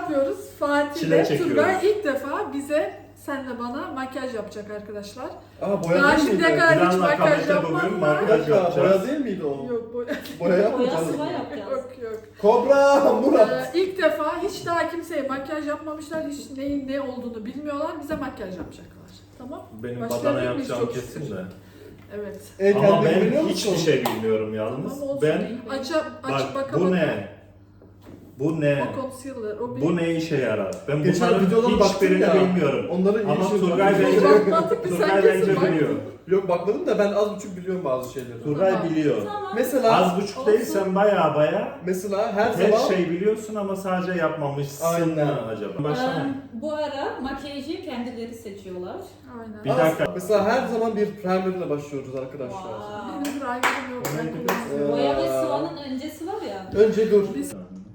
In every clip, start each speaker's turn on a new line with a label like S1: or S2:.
S1: yapmıyoruz. Fatih
S2: Çile
S1: ve
S2: çekiyoruz.
S1: Turgay ilk defa bize, senle bana makyaj yapacak arkadaşlar.
S3: Aa, boya
S1: Daha
S3: değil
S1: şimdiye
S3: miydi?
S1: kadar hiç
S2: Planla
S1: makyaj
S2: Kamet'e bugün
S1: yapmadılar.
S3: Bir dakika,
S2: yapacağız.
S3: boya değil miydi o?
S1: Yok boya.
S3: Boya yapmayacağız.
S4: Boya sıva yapacağız.
S1: Yok yok.
S3: Kobra, Murat.
S1: İlk defa hiç daha kimseye makyaj yapmamışlar. Hiç neyin ne olduğunu bilmiyorlar. Bize makyaj yapacaklar. Tamam?
S2: Benim
S1: Başka
S2: badana
S1: bir biz
S2: yapacağım
S1: çok
S2: kesin
S1: şükür.
S2: de.
S1: Evet.
S2: Ama
S3: Kendine
S2: ben
S3: güveniyor
S2: hiçbir
S3: musun?
S2: şey bilmiyorum yalnız.
S1: Tamam, olsun.
S2: Ben
S1: Aç
S2: bak
S1: baka
S2: bu
S1: baka.
S2: ne? Bu ne?
S1: O concealer. O bir...
S2: Bu ne işe yarar? Ben
S3: Geçen
S2: bunların
S3: videolara baktım
S2: hiçbirini
S3: ya.
S2: bilmiyorum.
S3: Onları iyi
S2: Ama
S3: şey
S2: Turgay
S3: söylüyor.
S2: bence,
S1: Bakmadık biz, sen
S2: Turgay
S1: kesin
S2: bence
S1: baktın.
S2: biliyor.
S3: Yok bakmadım da ben az buçuk biliyorum bazı şeyleri.
S2: Turgay
S1: Tamam.
S2: biliyor.
S4: Tamam.
S3: Mesela
S2: Az buçuk değil, sen baya
S3: mesela her
S2: her
S3: zaman
S2: şey biliyorsun ama sadece yapmamışsın.
S3: Aynen.
S2: Acaba. Başlama.
S4: Bu ara makyajı kendileri seçiyorlar.
S1: Aynen.
S2: Bir dakika.
S3: mesela her zaman bir primerle başlıyoruz arkadaşlar.
S4: Wow.
S1: Benim primer'ım yok. Ben kullanmıyorum.
S4: Boya ve sıvanın öncesi var ya.
S3: Önce dur.
S1: Biz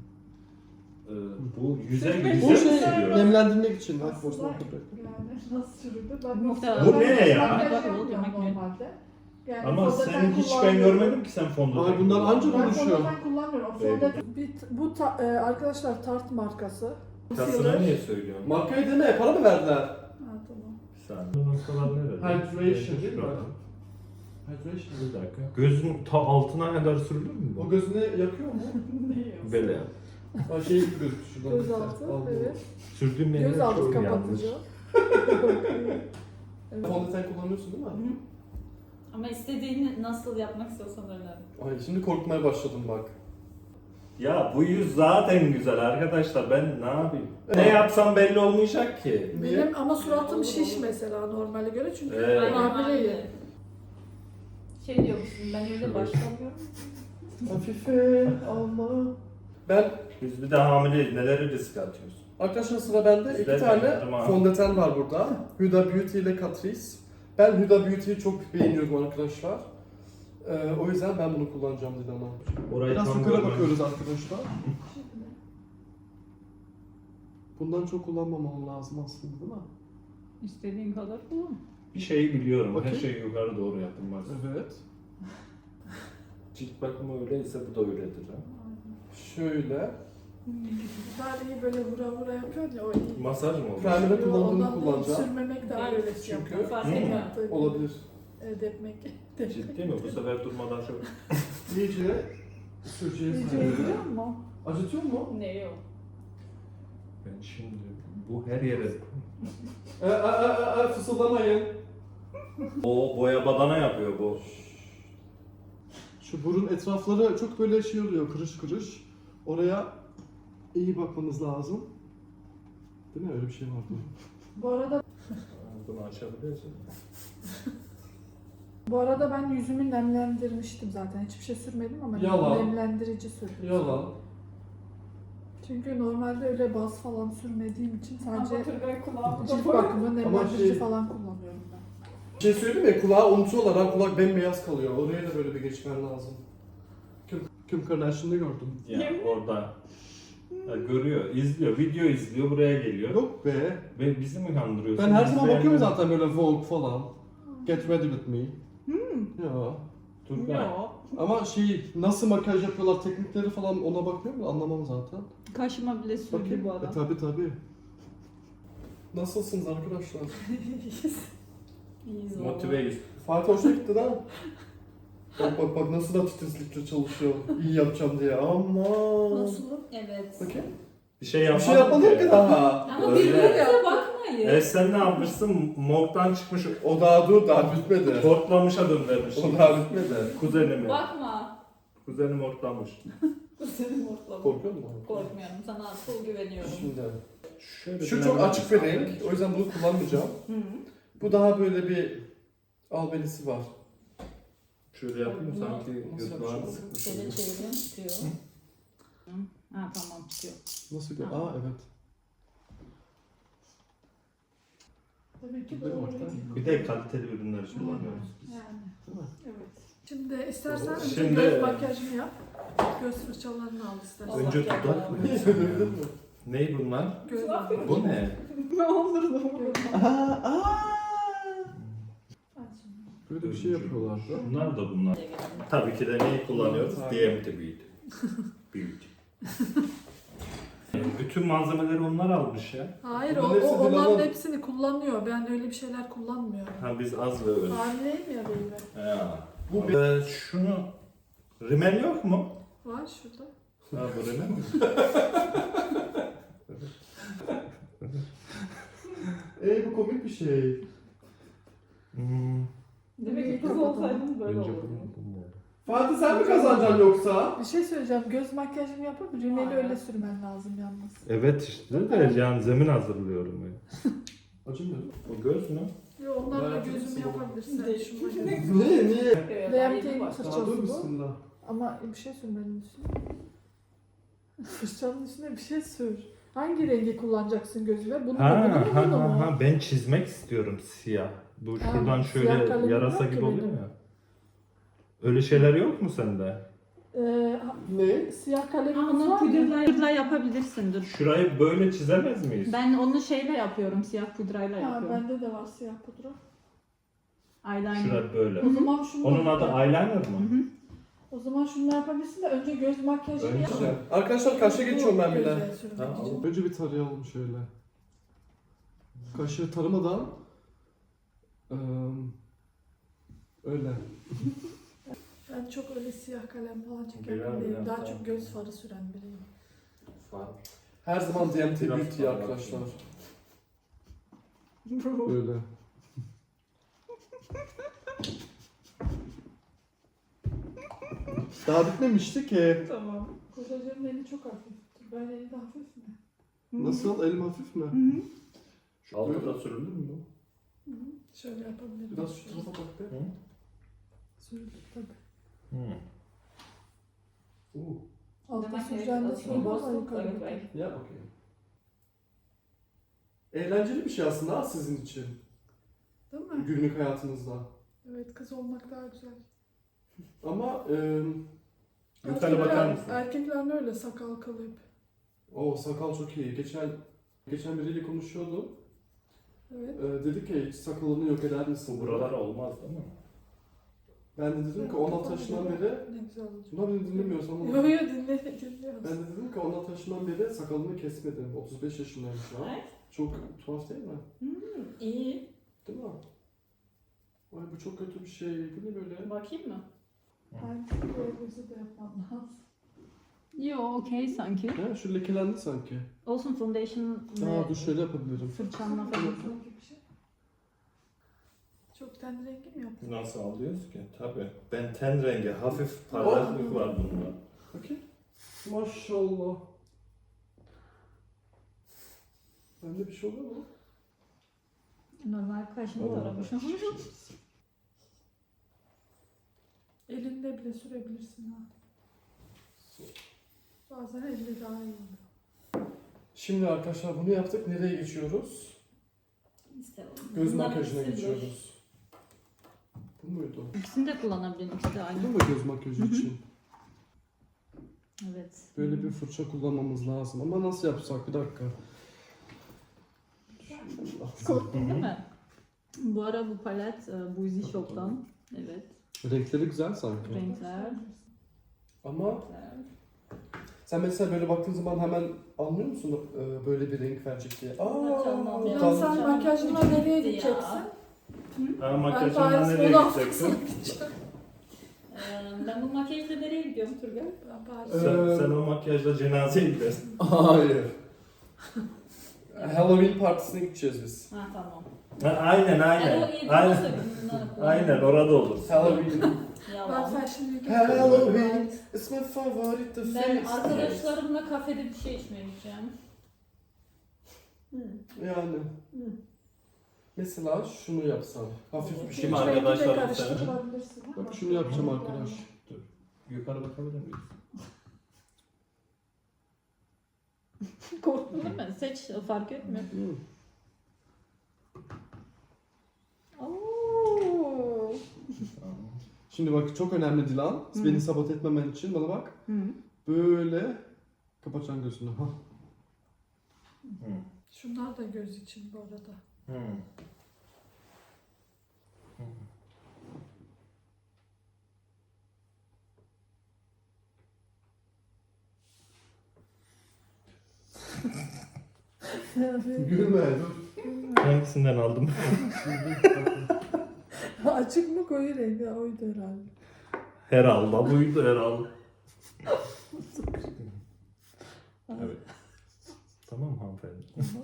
S2: Bu yüze
S3: Bu
S2: yüze
S3: şey
S2: mi sürüyor?
S3: nemlendirmek için. Bak,
S1: Aslında
S3: boşuna
S1: yani nasıl sürüldü? Ben
S4: Muhtemelen.
S2: Bu ne ya?
S1: makyaj
S4: Bak,
S1: yapmıyorum
S4: makine.
S1: normalde. Yani
S2: Ama
S1: fondöten
S2: sen hiç ben
S1: kullanmıyorum.
S2: görmedim ki sen fondöten.
S3: Ay, bunlar anca
S1: Ben
S3: konuşuyor.
S1: fondöten kullanmıyorum. O fondöten, bu arkadaşlar Tarte markası.
S2: Kasına niye söylüyorsun?
S3: Markayı deme, para mı verdiler?
S1: Ha tamam.
S2: Bir saniye. Noktalar nerede?
S3: Hydration değil mi? Hydration.
S2: Bir dakika. Gözün ta altına kadar sürülür mü
S3: O
S2: bu?
S3: gözüne yakıyor mu?
S2: Böyle yap.
S3: Aa, şey gibi gözüküyor şuradan.
S1: Göz altı,
S3: Allah.
S1: evet.
S2: Sürdüğüm yerler
S1: Göz altı
S2: çok yanlış.
S1: kapatıcı. Evet.
S3: Fondöten kullanıyorsun değil mi?
S4: Ama istediğini nasıl yapmak istiyorsan öyle.
S3: Ay şimdi korkmaya başladım bak.
S2: Ya bu yüz zaten güzel arkadaşlar, ben ne yapayım? Ne yapsam belli olmayacak ki.
S3: Niye?
S1: Benim ama suratım şiş mesela normale göre çünkü
S2: Evet.
S1: hamileyim.
S4: Şey diyormuşsun, ben öyle başlamıyorum.
S3: Hafife Allah. Ben
S2: Biz bir de hamileyiz, neleri risk atıyoruz?
S3: arkadaşlar sıra bende.
S2: Bizde
S3: İki tane
S2: de, tamam.
S3: fondöten var burada. Huda Beauty ile Catrice. Ben Huda Beauty'yi çok beğeniyorum arkadaşlar. O yüzden ben bunu kullanacağım Dilan'a.
S2: Orayı
S3: Biraz
S2: tam
S3: yukarı
S2: görmem.
S3: bakıyoruz arkadaşlar. Bundan çok kullanmamam lazım aslında değil mi?
S4: İstediğin kadar kullan.
S2: Bir şeyi biliyorum, her
S3: Bakayım.
S2: şey yukarı doğru yapılmaz.
S3: Evet.
S2: Cilt bakımı öyleyse bu da öyledir ha.
S3: Şöyle.
S1: Dariyi böyle vura vura yapıyor ya o iyi.
S2: Masaj mı olur?
S3: Primer'ı kullandığımı
S1: Ondan değil,
S3: kullanacağım.
S1: sürmemek daha
S4: Evet,
S1: öyle
S3: çünkü-
S1: yapıyor.
S4: Fark
S2: Hı.
S4: etmiyor.
S3: Olabilir.
S1: Depmek.
S2: Ciddi mi? Bu sefer durmadan şöyle.
S3: İyice süreceğiz.
S1: Biliyor musun?
S3: Acıtıyor mu?
S4: Ne yok.
S2: Ben şimdi bu her yere...
S3: Fısıldamayın.
S2: O boya badana yapıyor bu.
S3: Şu burun etrafları çok böyle şey oluyor, kırış kırış. Oraya iyi bakmanız lazım. Değil mi? Öyle bir şey vardı.
S1: Bu arada
S2: açabiliyorsun.
S1: ben yüzümü nemlendirmiştim zaten. Hiçbir şey sürmedim ama
S3: Yalan.
S1: nemlendirici sürdüm.
S3: Yalan.
S1: Çünkü normalde öyle baz falan sürmediğim için sadece
S4: Turgay kulağımda
S1: cilt bakımı nemlendirici
S3: şey-
S1: falan kullanıyorum ben.
S3: Bir şey söyleyeyim mi? Kulağı unutuyorlar ha. Kulak bembeyaz kalıyor. Oraya da böyle bir geçmen lazım. Kim Kardashian'da gördüm.
S2: Ya orada. Ya görüyor, izliyor, video izliyor, buraya geliyor.
S3: Yok be.
S2: Ve bizi mi kandırıyorsun?
S3: Ben her zaman
S2: İzleyenler-
S3: bakıyorum zaten böyle Vogue falan. Get ready with me. Ya.
S2: Turgay.
S4: Yok.
S3: Ama şey nasıl makyaj yapıyorlar teknikleri falan ona bakmıyorum da anlamam zaten.
S4: Kaşıma bile sürdü
S3: Bakayım.
S4: bu adam.
S3: Tabi. Nasılsınız arkadaşlar?
S4: İyiyiz valla.
S2: Motiveyiz.
S3: Fatih hoşuna gitti lan. Bak nasıl da titizlikle çalışıyor. İyi yapacağım diye. Aman.
S4: Nasıl? Evet.
S3: Bakayım.
S2: Bir şey
S3: Bir
S2: yapmadım
S3: şey yapmadın ki daha.
S4: Ama
S2: Öyle.
S4: birbirinize bakmayın.
S2: Sen ne yapmışsın? Morgdan çıkmış,
S3: O daha dur daha bitmedi.
S2: hortlamışa döndürmüş.
S3: O daha bitmedi.
S2: Kuzenimi.
S4: Bakma.
S2: Kuzenim hortlamış.
S4: Senin ortalama.
S3: Korkuyor musun?
S4: Korkmuyorum. Sana full güveniyorum.
S3: Şimdi.
S2: Şöyle
S3: Şu çok açık bir renk. O yüzden bunu kullanmayacağım.
S4: Hı.
S3: Bu daha böyle bir albenisi var.
S2: Şöyle yapayım sanki
S3: Nasıl
S2: göz bağını
S3: yapacağım?
S2: sıkmış.
S4: Şöyle çevireyim. Tutuyor. Ha tamam tutuyor.
S3: Nasıl gör?
S4: Tamam.
S3: Aa evet.
S1: Tabii ki
S3: Değil mi
S1: doğru.
S3: orta?
S2: Bir de kaliteli ürünler kullanıyoruz.
S1: Yani.
S3: Değil mi?
S1: Evet. Şimdi istersen
S2: Şimdi-
S1: göz makyajını yap. Göz fırçalarını al istersen.
S2: Önce
S4: Allah
S2: dudak
S4: Allah.
S2: mı?
S3: Gördün mü?
S2: Ney bunlar?
S1: Göz
S2: Bu ne?
S4: Ne olur da
S3: Böyle bir şey yapıyorlardı.
S2: Bunlar da bunlar. Tabii ki de neyi kullanıyoruz?
S3: Evet.
S2: DMT Beauty. Beauty. Bütün malzemeleri onlar almış ya.
S1: Hayır
S3: Bunların hepsi
S1: onların
S3: Dilan'ın-
S1: hepsini kullanıyor. Ben öyle bir şeyler kullanmıyorum.
S2: Ha biz az ve öz.
S1: Hamileyim ya böyle.
S2: Ya. Şunu rimel yok mu?
S1: Var şurada.
S2: Ha bu rimel mi?
S3: Bu komik bir şey.
S4: Demek ki kız olsaydın böyle olurdu.
S3: Fatih sen mi kazanacaksın yoksa?
S1: Bir şey söyleyeceğim. Göz makyajımı yapıp rimeli öyle sürmen lazım yalnız.
S2: Evet işte de yani zemin hazırlıyorum ben.
S3: Acımıyor.
S2: O göz mü?
S1: Yo, onlarla
S3: Merak
S1: gözümü
S3: etsin.
S1: yapabilirsin.
S4: Değişik.
S1: Şununla göz.
S3: Niye?
S1: Renkli
S3: Daha
S1: fırçası
S3: dur
S1: bu.
S3: bismillah.
S1: Ama bir şey sür benim üstüne. Fırçanın üstüne bir şey sür. Hangi rengi kullanacaksın gözüme? Bunu mu bunu mu?
S2: ben çizmek istiyorum siyah. Bu
S1: Ha,
S2: şuradan
S1: siyah
S2: şöyle
S1: kalemim
S2: yarasa
S1: yok ki
S2: gibi oluyor
S1: benim.
S2: ya. Öyle şeyler yok mu sende?
S3: Ne?
S1: Siyah kalemimiz
S4: Onu
S1: var mı?
S4: pudrayla yapabilirsin dur.
S2: Şurayı böyle çizemez miyiz?
S4: Ben onu şeyle yapıyorum, siyah pudrayla
S1: Ha,
S4: yapıyorum.
S1: bende de var siyah pudra.
S4: Eyeliner.
S2: Şurayı böyle.
S1: O zaman şunu
S2: Onun adı
S1: yap.
S2: eyeliner
S4: Hı
S2: mı?
S4: hı.
S1: O zaman şunu yapabilirsin de önce göz makyajını yap.
S3: Güzel. Arkadaşlar kaşa geçiyorum ben bile.
S1: Göze sürmek
S2: Tamam.
S1: için.
S3: Önce bir tarayalım şöyle. Kaşığı taramadan öyle.
S1: Ben çok öyle siyah kalem falan çeken
S2: Biraz,
S1: değilim.
S2: biraz
S1: Daha
S2: daha.
S1: çok göz farı süren biriyim.
S3: Her zaman DMT
S2: Biraz
S3: Beauty
S2: daha
S3: arkadaşlar. Böyle. Daha bitmemişti ki.
S1: Tamam. Kocacığım eli çok hafif. Ben eli de hafif mi?
S3: Nasıl? Elim hafif mi?
S4: Hı hı.
S2: Şu altta da sürülür mü bu?
S1: Hı hı. Şöyle yapabilirim.
S3: Biraz şu tarafa bak be.
S1: Sürülür tabii.
S2: Hı.
S3: Oo.
S1: Altta
S4: Demek ki
S1: süreceğinde
S4: aslında
S1: sürülür ama
S4: boşluk
S1: yukarı
S4: evet,
S1: bakar.
S4: belki.
S3: Ya okey. Eğlenceli bir şey aslında ha sizin için.
S1: Değil mi?
S3: Günlük hayatınızda.
S1: Evet, kız olmak daha güzel.
S3: Ama
S2: Yukarı bakar mısın?
S1: Erkekler de öyle sakal kıl hep.
S3: o sakal çok iyi. Geçen biriyle konuşuyordum.
S1: Evet.
S3: Dedi ki hiç sakalını yok eder misin?
S2: Bu buralar olmaz değil mi?
S3: Ben de dedim ki 16 yaşından beri
S1: Ne güzel olacak.
S3: Bunlar beni dinlemiyorsa ama
S1: Yo yo dinliyoruz.
S3: ben de dedim ki 16 yaşından beri sakalını kesmedim. 35 yaşındayım şu an.
S4: Evet.
S3: Çok tuhaf değil mi?
S4: İyi.
S3: Değil mi? Ay bu çok kötü bir şey. Bu ne böyle?
S4: Bakayım mı?
S1: Erkek gözü de yapmam lazım.
S4: Yo, okey sanki.
S3: Ha, şu lekelendi sanki.
S4: Olsun foundation
S3: Aa dur şöyle yapabilirim.
S4: fırçanla falan.
S1: Sanki bir şey. Çok ten rengi mi yaptın?
S2: Nasıl alıyoruz ki? Tabii. Ben ten rengi, hafif parlaklık var bunda.
S3: Bakayım. Maşallah. Bende bir şey oluyor mu?
S4: Normal kaşını taramışım.
S1: Elinde bile sürebilirsin ha. Bazen elle daha iyi oluyor.
S3: Şimdi arkadaşlar bunu yaptık. Nereye geçiyoruz? Göz makyajına geçiyoruz. Bu muydu?
S4: İkisini de kullanabilirim işte
S3: Bu
S4: aynı.
S3: mu göz makyajı
S4: Hı hı.
S3: için?
S4: Evet.
S3: Böyle bir fırça kullanmamız lazım. Ama nasıl yapsak? Bir dakika.
S4: Değil mi? Bu ara bu palet Boozy Shop'tan. Evet.
S3: Renkleri güzel sanki.
S4: Renkler.
S3: Ama sen mesela böyle baktığın zaman hemen anlıyor musun böyle bir renk verecek diye?
S4: Tamam ya.
S1: Ya
S3: tamam.
S1: sen makyajına nereye
S4: Ya.
S1: gideceksin?
S2: Ha,
S1: Ben
S2: makyajından
S1: Paris
S2: nereye
S1: Moda
S2: gideceksin?
S1: Haftası'na gideceğim.
S4: Ben bu makyajla nereye gidiyorum Turgay?
S1: Ben Paris.
S2: Sen o makyajla cenazeye gidersin.
S3: Hayır. Halloween partisine gideceğiz biz.
S4: Ha tamam.
S2: Ha, aynen aynen. Aynen orada olur.
S3: Halloween.
S1: Ben
S4: Yalan.
S1: Fashion Week'e
S3: Halloween is my favorite
S4: Ben
S3: festival.
S4: arkadaşlarımla kafede bir şey içmeye gideceğim.
S3: Yani. Mesela şunu yapsam. Hafif bir şey.
S2: Kim
S1: Rengi de
S2: arkadaşlarım
S1: karıştırabilirsin ama.
S3: Bak şunu yapacağım arkadaş.
S2: Dur. Yukarı bakabilir miyiz?
S4: Korktun değil mi? Seç fark etmiyor.
S3: Hmm.
S4: Oo.
S3: Şimdi bak çok önemli Dilan.
S4: Hı.
S3: Beni sabote etmemen için bana bak.
S4: Hı.
S3: Böyle kapatacaksın gözünü. Ha.
S1: Şunlar da göz için bu arada.
S2: Hmm.
S3: Gülme dur.
S2: Hangisinden aldım?
S1: Açık mı koyu rengi? Oydu herhalde.
S2: Herhalde buydu herhalde. Evet. Tamam hanımefendi.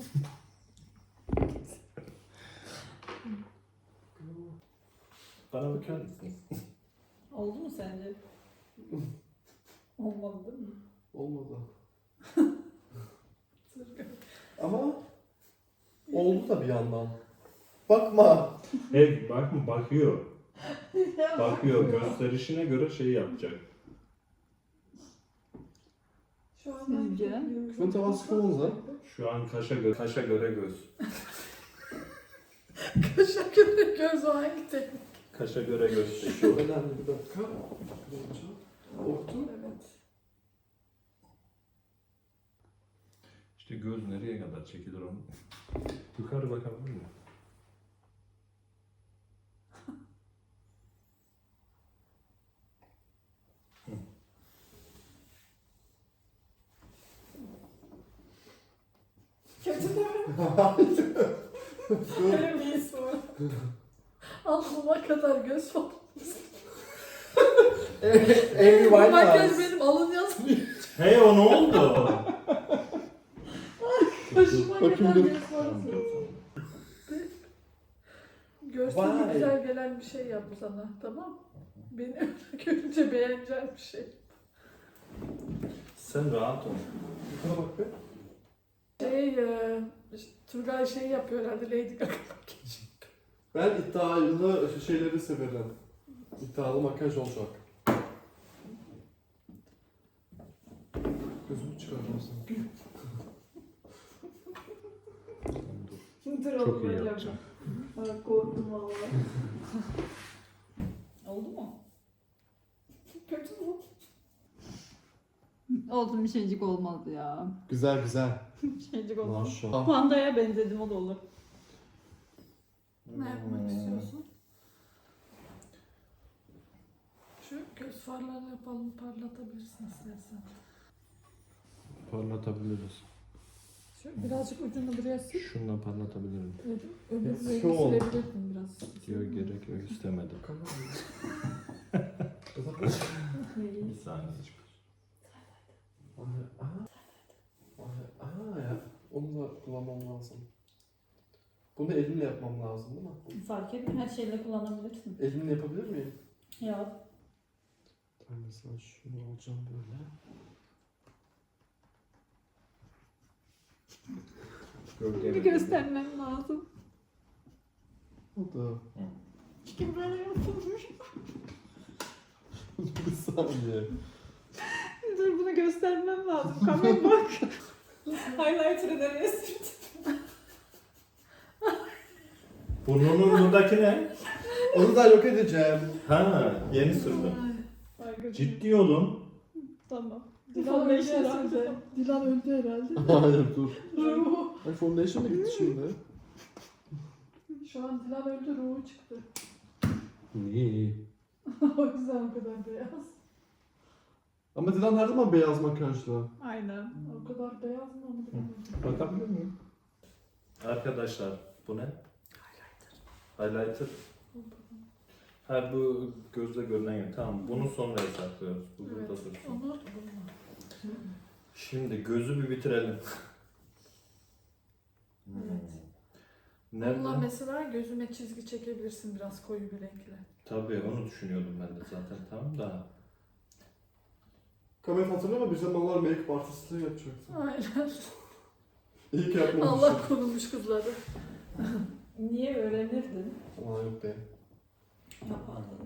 S2: Bana bakar mısın?
S4: Oldu mu sence? Olmadı değil mi?
S3: Olmadı. Ama oldu da bir yandan. Bakma.
S2: Hey bakma bakıyor. Bakıyor gösterişine göre şey yapacak.
S1: Şu an
S4: Sizce?
S3: Şunun tavası kıvamıza.
S2: Şu an kaşa göre göz.
S1: Kaşa göre göz o hangi teknik?
S2: Kaşa göre göz.
S3: Şu önemli bir dakika. Orta.
S1: Evet.
S2: İşte göz nereye kadar çekilir onu? Yukarı bakabilir miyim?
S1: Kötü değil mi? Öyle bir his var. Alnıma kadar göz var.
S3: Amy
S1: Makyaj
S3: Winehouse.
S1: benim alın yazmıyor.
S2: Hey o ne oldu?
S1: Kaşıma
S3: Bakayım
S1: kadar
S3: dur.
S1: göz var. Görsel
S3: Vay.
S1: güzel gelen bir şey yap sana, tamam? Beni öyle görünce beğeneceğim bir şey.
S2: Sen rahat ol.
S3: Yukarı bak be.
S1: Turgay şey yapıyor herhalde, Lady Gaga makyajı.
S3: Ben iddialı şeyleri severim. İddialı makyaj olacak. Gözümü çıkaracağım sana.
S2: Çok iyi yapacağım.
S1: Evet, korktum valla.
S4: Oldu mu?
S1: Kötü mü?
S4: Olsun bir şeycik olmadı ya.
S3: Güzel güzel.
S4: Bir şeycik olmadı.
S3: Maşallah.
S4: Pandaya benzedim o da olur.
S1: Ne yapmak istiyorsun? Şu göz farlarını yapalım, parlatabilirsin istersen.
S2: Parlatabiliriz.
S1: Şu birazcık ucunu buraya sil.
S2: Şundan parlatabilirim.
S1: Öbür
S3: Yes,
S1: rengi
S3: şu ol.
S1: silebilirsin biraz.
S2: Diyor gerek yok istemedim. Bir saniye.
S3: Ya. Onu da kullanmam lazım. Bunu elimle yapmam lazım değil mi?
S4: Fark etmiyor, her şeyle kullanabilirsin.
S3: Elimle yapabilir miyim?
S4: Ya
S3: Ben mesela şunu alacağım böyle.
S4: bir göstermem lazım.
S3: O da.
S4: Çünkü böyle yapılmış.
S3: Bir saniye.
S4: Dur bunu göstermem lazım. Kamera bak. Highlighter'ı nereye sürdüm?
S2: Burnunun ne?
S3: Onu da yok edeceğim.
S2: Ha yeni sürdüm. Ciddi olun.
S4: Tamam.
S1: Dilan öldü herhalde. Dilan öldü herhalde.
S3: Hayır dur. Ay foundation mı gitti şimdi?
S1: Şu an Dilan öldü, ruhu çıktı.
S2: Niye?
S1: O yüzden o kadar beyaz.
S3: Ama Dilan her zaman beyaz makyajlı.
S4: Aynen.
S1: O kadar beyaz mı onu bilemedim.
S2: Bakabilir miyim? Arkadaşlar bu ne? Highlighter. Ha bu gözle görünen yer. Tamam bunu sonra saklıyoruz. Bu
S1: Evet,
S2: burada dursun.
S1: onu bulma.
S2: Şimdi gözü bir bitirelim.
S1: Evet.
S2: Nerede?
S1: Onunla mesela gözüme çizgi çekebilirsin biraz koyu bir renkle.
S2: Tabii onu düşünüyordum ben de zaten tamam da.
S3: Kamet hatırlama bir zamanlar make-up artistliği yapacaktım.
S1: Aynen.
S3: İyi ki yapmamışım.
S1: Allah korumuş kızları.
S4: Niye öğrenirdin?
S3: Ama yok be.
S4: Yapardın.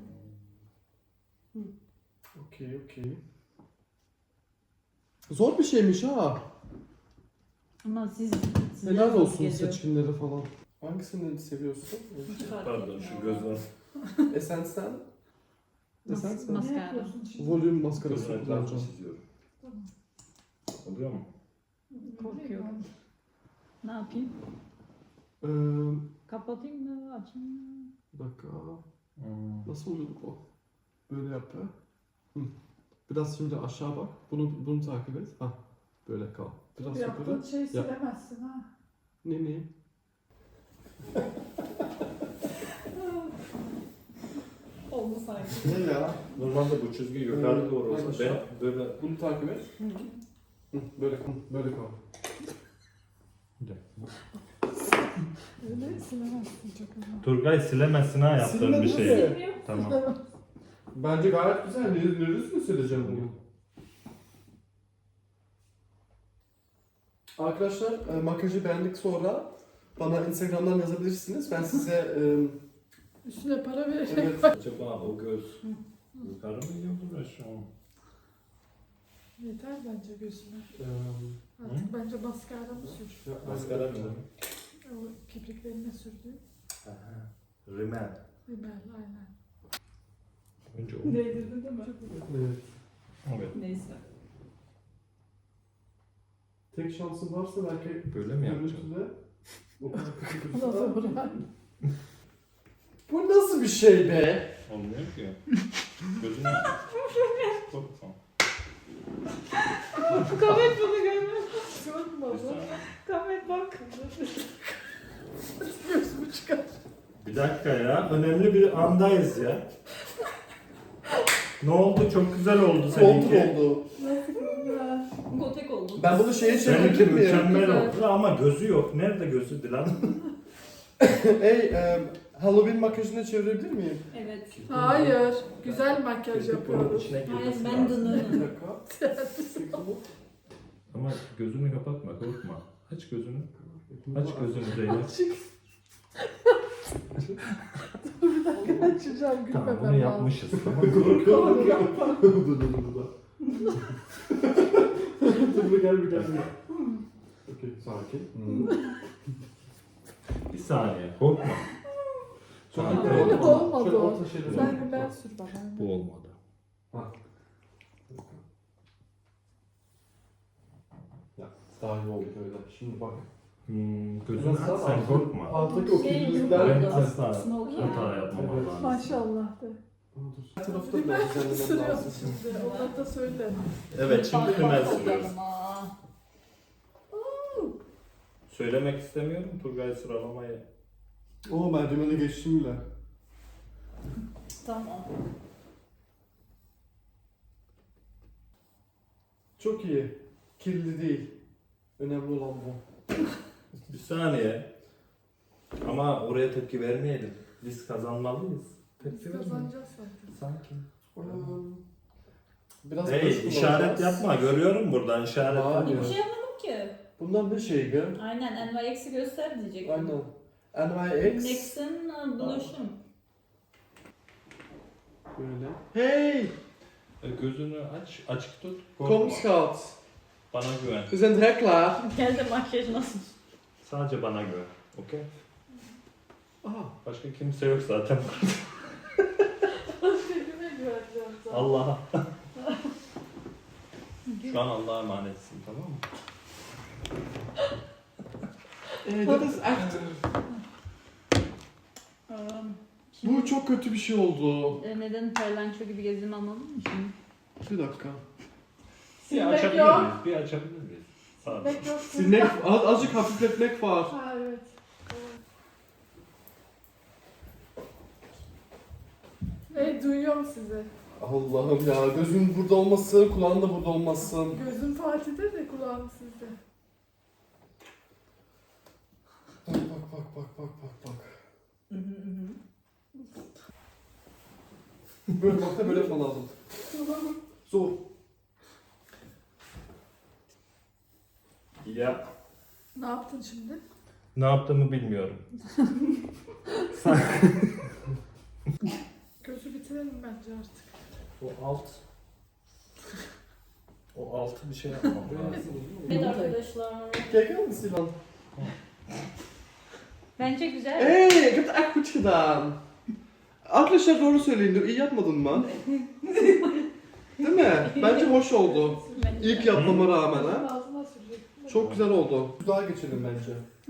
S3: Okey. Zor bir şeymiş ha.
S4: Ama siz
S3: Helal
S4: zor
S3: olsun
S4: geliyor.
S3: seçimleri falan. Hangisini seviyorsun?
S4: Hiç fark
S2: Pardon
S4: etmiyor.
S2: şu gözler.
S3: Essence'den Essence mi?
S1: Ne
S4: Maskara.
S1: yapıyorsun şimdi?
S3: Volüm maskarası
S2: Göz renklerini
S3: kullanacağım.
S2: çiziyorum.
S1: Tamam.
S2: Oluyor mu?
S4: Korkuyorum. Ne yapayım?
S3: Ee,
S4: Kapatayım mı? Açayım mı?
S3: bir dakika. Nasıl oluyorduk o? Böyle yap be. Hı. Biraz şimdi aşağı bak. Bunu takip et. Ha, böyle kal. Biraz yukarı.
S1: Yaptığın şeyi silemezsin ha.
S3: Ne?
S1: Oldu sanki.
S3: Ne ya?
S2: Normalde bu çizgi yukarı doğru olsa ben böyle...
S3: Bunu takip et. Hı, böyle kal.
S1: Öyle silemezsin çok ama.
S2: Turgay silemezsin ha yaptığın bir
S3: Silemez
S2: şey.
S3: mi?
S2: Tamam.
S3: Bence gayet güzel. Neresini sileceğim bunu? Arkadaşlar makyajı beğendik sonra bana Instagram'dan yazabilirsiniz. Ben size
S1: Üstüne para verecek.
S3: evet,
S2: Acaba o göz yukarı mı gidiyordur aşağı mı?
S1: Yeter bence gözüne.
S3: e,
S1: Artık bence maskara mı sür?
S2: Maskara mı?
S1: O kipriklerine sürdüğün
S2: Rimel.
S1: rimel aynen.
S2: Önce o.
S4: Değdirdin değil mi?
S3: evet.
S2: Evet.
S4: Neyse.
S3: Tek şansım varsa belki
S2: Böyle mi yapacağım?
S3: görüntüde o kadar kötü
S1: Nasıl
S3: gözüküyor.
S1: bırak?
S3: Bu nasıl bir şey be?
S2: Olmuyor ki. Gözüne... Korkma.
S4: Kamet bunu görmüyor.
S1: Görmüyor.
S4: Kamet bak.
S1: Gözümü çıkar.
S2: Bir dakika ya. Önemli bir andayız ya. Ne oldu? Çok güzel oldu seninki.
S3: Kontur oldu.
S1: Nasıl ya?
S4: Gotek oldu.
S3: Ben bunu şeye
S2: Seninki
S3: çevirebilir miyim?
S2: mükemmel
S4: Güzel.
S2: oldu ama gözü yok. Nerede gözü Dilan?
S3: Halloween makyajını çevirebilir miyim?
S4: Evet.
S1: Hayır. Güzel makyaj
S2: Keşke bunun
S1: yapıyoruz.
S2: içine
S4: Hayır
S2: girmesi
S4: ben
S2: lazım.
S3: Bir
S4: dınırım.
S3: dakika.
S2: Ama gözünü kapatma, korkma. Aç gözünü. Aç gözünü Zeynep.
S1: Bir dakika açacağım
S2: Tamam,
S1: gülmemem
S2: bunu
S1: lazım.
S2: yapmışız. Tamam mı?
S3: Korkuyorum ya. Dur. Dur gel. Okey, sakin.
S2: Bir saniye, korkma.
S3: Sakin.
S2: Tamam.
S1: Öyle de olmadı
S3: Şöyle
S1: o.
S3: orta şeyleri
S1: Sen
S3: yap.
S1: rimel sür bana.
S2: Bu olmadı.
S3: Ya, daha iyi oldu böyle. Şimdi bak.
S2: Gözünü aç, sen korkma.
S3: Alttaki o
S4: Şey
S3: kirlilikler...
S2: Ben
S4: yok.
S2: asla
S4: Smoky
S2: hata
S4: yani.
S2: yapmam
S3: Evet.
S2: lazım.
S1: Maşallah de.
S3: Her tarafta
S1: Rimel
S3: biraz düzenlemem
S1: sürüyorsun
S3: lazım.
S1: şimdi. Ondan da söyle.
S2: Evet, şimdi
S4: Bak,
S2: rimel
S4: bak
S2: sürüyoruz.
S4: bakalım, aa.
S2: Söylemek istemiyorum Turgay sıralamayı.
S3: Oo, ben rimeli geçtim bile.
S4: Tamam.
S3: Çok iyi. Kirli değil. Önemli olan bu.
S2: Bir saniye. Ama oraya tepki vermeyelim. Biz kazanmalıyız.
S1: Biz
S2: Tepki vermeyelim.
S1: kazanacağız zaten.
S2: Sakin.
S3: Biraz
S2: Hey,
S3: karışık
S2: işaret
S3: olacağız.
S2: yapma. Görüyorum buradan işaret.
S3: Hayır.
S4: Bir şey yapmadım ki.
S3: Bunlar ne şeydi?
S4: Aynen NYX'i göster diyecektim.
S3: Aynen. NYX.
S4: NYX'in blush'um.
S3: Böyle. Hey!
S2: Gözünü aç, açık tut. Korkma.
S3: Kom schat.
S2: Bana güven.
S3: We zijn direct klaar.
S4: Gel de makyaj nasıl?
S2: Sadece bana güven. Okey?
S3: Aha.
S2: Başka kimse yok zaten.
S1: Başka kime güveneceğim zaten.
S2: Allah'a. Şu an Allah'a emanetsin, tamam mı?
S3: Dit is echt... Bu çok kötü bir şey oldu.
S4: Neden parlanço gibi gezdiğimi anladın mı şimdi?
S3: Bir dakika.
S2: Bir
S1: Silmek
S2: açabilir
S1: yok.
S2: miyiz? Bir açabilir miyiz? Sadece.
S1: Silmek yok.
S3: Silmek, azıcık hafifletmek var.
S1: Ha evet. Hey duyuyorum sizi.
S3: Allah'ım ya, gözün burada olmasın, kulağın da burada olmasın.
S1: Gözüm Fatih'te de kulağım sizde.
S3: Bak. Böyle bak da böyle yapman lazım. Zor.
S2: Ya.
S1: Ne yaptın şimdi?
S2: Ne yaptığımı bilmiyorum.
S1: Gözü bitirelim bence artık.
S2: O altı bir şey yapmam lazım.
S4: Evet arkadaşlar.
S3: Kijk eens, Dylan.
S4: Bence güzel.
S3: Hey, ik heb het echt goed gedaan. Arkadaşlar doğru söyleyin, iyi yapmadın mı? Değil mi? Bence hoş oldu.
S4: Bence
S3: İlk
S4: de.
S3: yapmama rağmen ha.
S1: Ağzına sürecek.
S3: Çok güzel oldu. Daha geçelim bence.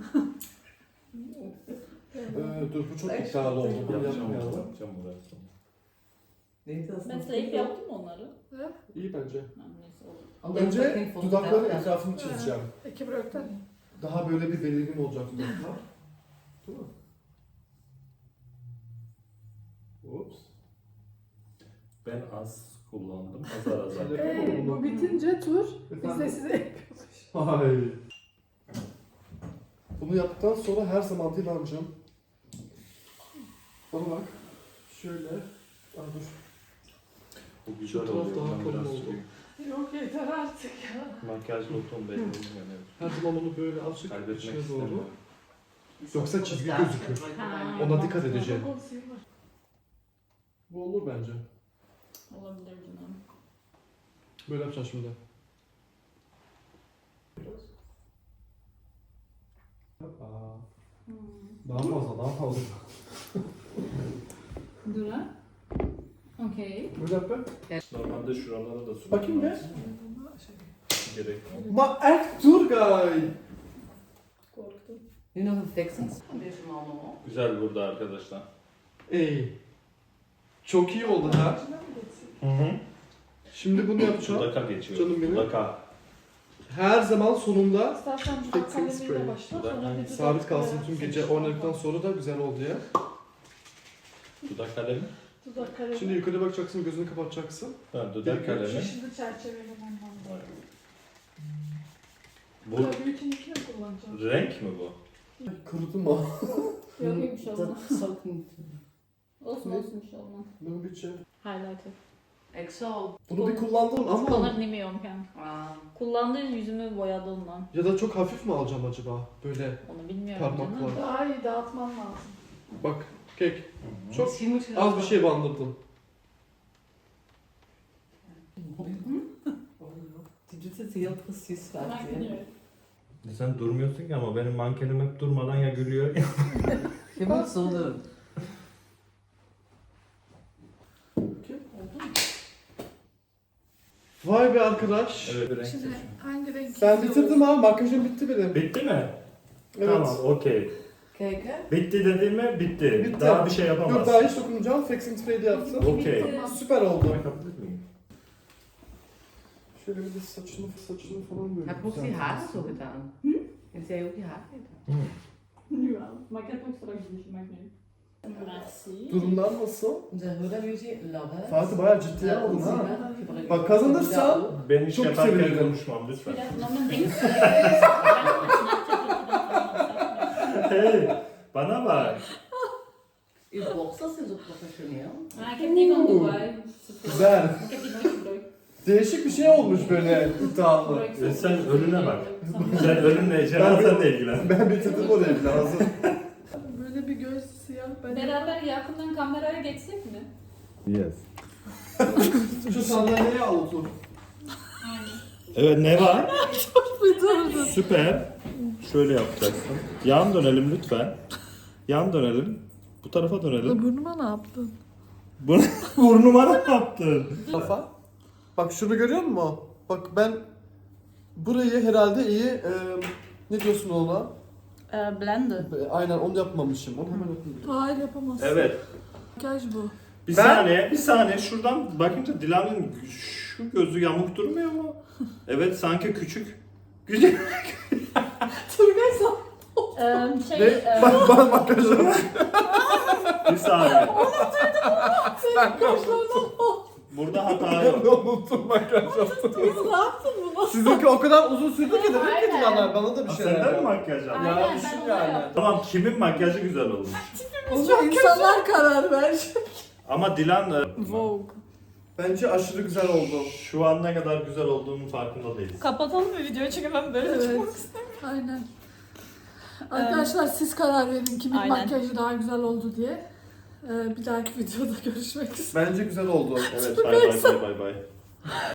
S3: Dur bu çok iddialı oldu. Bunu
S2: Yapacağım
S3: yapmayalım.
S2: burası.
S5: Neydi aslında?
S4: Ben sayıp yaptım onları.
S3: İyi bence.
S4: Ha, neyse olur.
S5: Alleen
S3: Önce
S5: fucking
S3: dudakların
S5: fotoğraf.
S3: etrafını çizeceğim.
S1: İki bıraktan.
S3: Daha böyle bir belirgin olacak dudaklar. Değil mi? Ups.
S2: Ben az kullandım. Azar azar.
S1: Bu bitince tur biz de
S3: Efendim?
S1: size yapıyoruz.
S3: Hayır. Bunu yaptıktan sonra her zaman dilancım. Bana bak. Şöyle. Aa, dur.
S2: Bu güzel
S3: Şu taraf
S2: oluyor.
S3: daha
S2: Ben
S3: kalın
S2: biraz
S3: oldu.
S2: şey-
S1: Yok yeter artık ya.
S2: Makyaj lotum belli olmuyor. Evet.
S3: Her zaman onu böyle azıcık
S2: Kaybetmek
S3: içine doğru.
S2: istemiyorum.
S3: Yoksa çizgi gözükür.
S4: Ha.
S3: Ona dikkat edeceğim.
S1: Konseyi var.
S3: Bu olur bence.
S4: Olabilir canım.
S3: Böyle yapacağız şimdi. Aa, daha fazla, daha fazla.
S4: Dur ha. Okey.
S3: Böyle yap be.
S2: Normalde şuralara da su.
S3: Bakayım be.
S2: Gerek yok.
S3: Ma Ertuğrul.
S1: Korktum.
S5: Nu nog een fixing foundation allemaal.
S2: Güzel burada arkadaşlar.
S3: Ey. Çok iyi oldu ha.
S2: Hı hı.
S3: Şimdi bunu yapacağım.
S2: Dudaka geçiyor.
S3: Canım benim.
S2: Dudaka.
S3: Her zaman sonunda
S1: İstersen dudak
S3: Fixing
S1: kalemiyle
S3: spray.
S1: başla.
S2: Dudak
S1: Sonra bir dudak
S3: sabit kalsın tüm
S1: kalemi
S3: gece
S1: seç.
S3: oynadıktan sonra da güzel oldu ya.
S2: Dudak kalemi.
S1: Dudak kalemi.
S3: Şimdi yukarı bakacaksın, gözünü kapatacaksın.
S2: Ha, dudak kalemi.
S1: Şimdi çerçevelemen lazım.
S2: Bu
S1: Tabii için ikini kullanacağım.
S2: renk mi bu?
S3: Kurudu mu?
S4: Yok bir şey olmaz.
S5: Dat zal ik niet doen.
S4: Olsun olsun bir şey olmaz.
S3: Bunu bir şey.
S4: Highlighter.
S5: Ik zal.
S3: Bunu bir kullandım ama
S4: Kullanır bilmiyorum yani.
S5: Ah,
S4: Kullandığı yüzümü boyadı ondan.
S3: ya da çok hafif mi alacağım acaba? Böyle
S4: Onu bilmiyorum
S3: Parmakla.
S4: canım.
S1: Daha iyi dağıtman lazım.
S3: bak kek. Çok
S5: misschien moet je dat
S3: az
S5: wel-
S3: bir şey bandırdım.
S5: Die doet het heel precies
S4: Hemen
S5: laten.
S4: gidiyorum.
S2: Sen durmuyorsun ki ama benim mankenim hep durmadan ya gülüyor.
S5: Je moet zo doen.
S3: Vay be arkadaş.
S2: Evet, renk
S1: Şimdi
S2: seçim.
S1: hangi renk
S3: Ben
S1: istiyoruz?
S3: bitirdim ha. Makyajım bitti benim.
S2: Bitti mi?
S3: Evet.
S2: Tamam, okey.
S5: Kijk hè.
S2: Bitti dediğim mi? Bitti.
S3: Bitti.
S2: Daha bir şey
S3: Yok
S2: yapamazsın.
S3: daha hiç dokunmayacağım. Fixing spray de yaptım.
S2: Okey.
S3: Süper oldu.
S2: Bakabilir miyim?
S3: Şöyle bir de saçını falan böyle.
S5: Heb je ook die haren zo gedaan? Heb jij ook die haren gedaan?
S4: Ja, maar ik heb ook straks dus maakt niet. Merci.
S3: Durumlar nasıl?
S5: Onze Huda Beauty Love.
S3: Fatih bayağı ciddiye aldın ha. Bak kazanırsan
S2: Ben iş
S3: Çok
S2: yaparken
S3: sevinirim.
S2: konuşmam lütfen.
S4: Biraz normal değil.
S2: Hey, bana bak.
S5: Uw borstels zijn zo professioneel.
S4: Ah, ik heb die van Dubai.
S3: güzel.
S4: Ik heb die nooit gebruikt.
S3: Değişik bir şey olmuş böyle iddialı.
S2: Sen önüne bak. Sen önünle cenazenle ilgilen.
S3: Ben bitirdim orayı lazım.
S1: Böyle bir göz siyah. Ben
S4: Beraber yakından kameraya geçsek mi?
S2: Yes.
S3: Şu sandalyeye al otur.
S2: Evet, ne var? Süper. Şöyle yapacaksın. Yan dönelim lütfen. Yan dönelim. Bu tarafa dönelim.
S1: Burnuma ne yaptın?
S2: Burnuma ne yaptın?
S3: Kafa. Bak şunu görüyor musun? Bak ben burayı herhalde iyi ne diyorsun ona?
S4: Blender.
S3: Aynen onu yapmamışım. Onu hemen yapayım.
S1: Hayır yapamazsın.
S2: Evet.
S1: Makyaj bu.
S2: Bir
S3: Ben-
S2: saniye, bir saniye. Şuradan bakınca Dilan'ın şu gözü yamuk durmuyor mu? Evet, sanki küçük. Küçük.
S1: Turgay sen.
S3: Ne? Bak bana makyajım.
S2: Bir saniye.
S3: Ben
S2: Burada hata yok.
S3: unuttum makyaj yaptım.
S1: Ne yaptın bunu?
S3: Sizinki o kadar uzun sürdü ki dedim ki
S4: Aynen.
S3: Dilanlar bana da bir şeyler
S2: Senden mi
S3: yap.
S2: makyaj yaptın?
S3: Ya
S4: Aynen,
S3: düşün
S4: ben onu
S3: yani.
S4: yaptım.
S2: Tamam, kimin makyajı güzel olmuş?
S1: Onu insanlar karar ver.
S2: Ama Dilan
S1: Vogue.
S3: Bence aşırı güzel oldu.
S2: şu an ne kadar güzel olduğunun farkında değiliz.
S4: Kapatalım mı videoyu çünkü ben böyle
S1: Evet. Aynen. Arkadaşlar siz karar verin kimin
S4: Aynen.
S1: makyajı daha güzel oldu diye. Bir dahaki videoda görüşmek üzere.
S3: Bence güzel oldu.
S2: Evet, bay bay bay bay bay.